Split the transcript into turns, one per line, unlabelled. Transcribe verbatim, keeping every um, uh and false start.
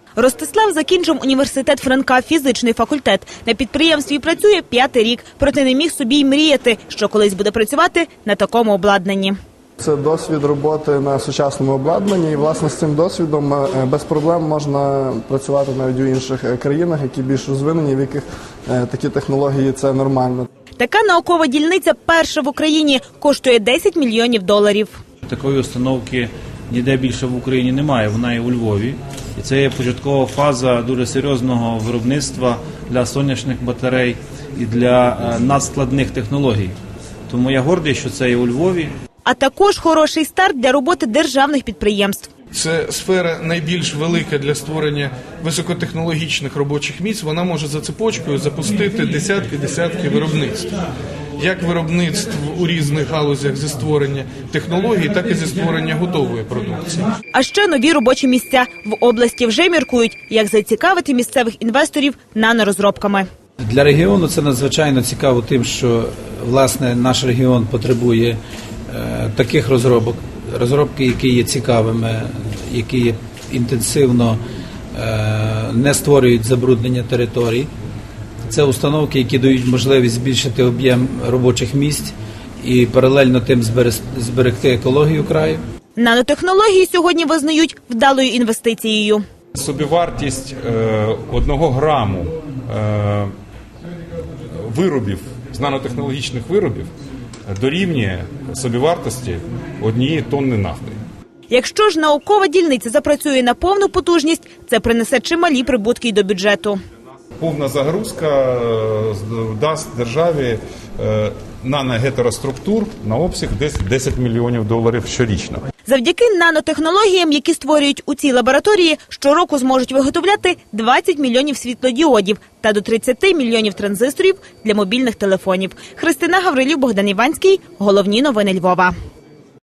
Ростислав закінчив університет Франка, фізичний факультет. На підприємстві працює п'ятий рік, проте не міг собі й мріяти, що колись буде працювати на такому обладнанні.
Це досвід роботи на сучасному обладнанні, і, власне, з цим досвідом без проблем можна працювати навіть у інших країнах, які більш розвинені, в яких такі технології – це нормально.
Така наукова дільниця перша в Україні, коштує десять мільйонів доларів.
Такої установки ніде більше в Україні немає, вона є у Львові. І це є початкова фаза дуже серйозного виробництва для сонячних батарей і для надскладних технологій. Тому я гордий, що це є у Львові.
А також хороший старт для роботи державних підприємств.
Це сфера найбільш велика для створення високотехнологічних робочих місць. Вона може за цепочкою запустити десятки-десятки виробництв. Як виробництв у різних галузях зі створення технологій, так і зі створення готової продукції.
А ще нові робочі місця. В області вже міркують, як зацікавити місцевих інвесторів нанорозробками.
Для регіону це надзвичайно цікаво тим, що, власне, наш регіон потребує е, таких розробок, розробки, які є цікавими, які є інтенсивно е, не створюють забруднення територій. Це установки, які дають можливість збільшити об'єм робочих місць і паралельно тим зберегти екологію краю.
Нанотехнології сьогодні визнають вдалою інвестицією.
Собівартість е, одного граму е, виробів, з нанотехнологічних виробів дорівнює собівартості однієї тонни нафти.
Якщо ж наукова дільниця запрацює на повну потужність, це принесе чималі прибутки й до бюджету.
Повна загрузка дасть державі наногетероструктур на обсяг десь десять мільйонів доларів щорічно.
Завдяки нанотехнологіям, які створюють у цій лабораторії, щороку зможуть виготовляти двадцять мільйонів світлодіодів та до тридцяти мільйонів транзисторів для мобільних телефонів. Христина Гаврилів, Богдан Іванський. Головні новини Львова.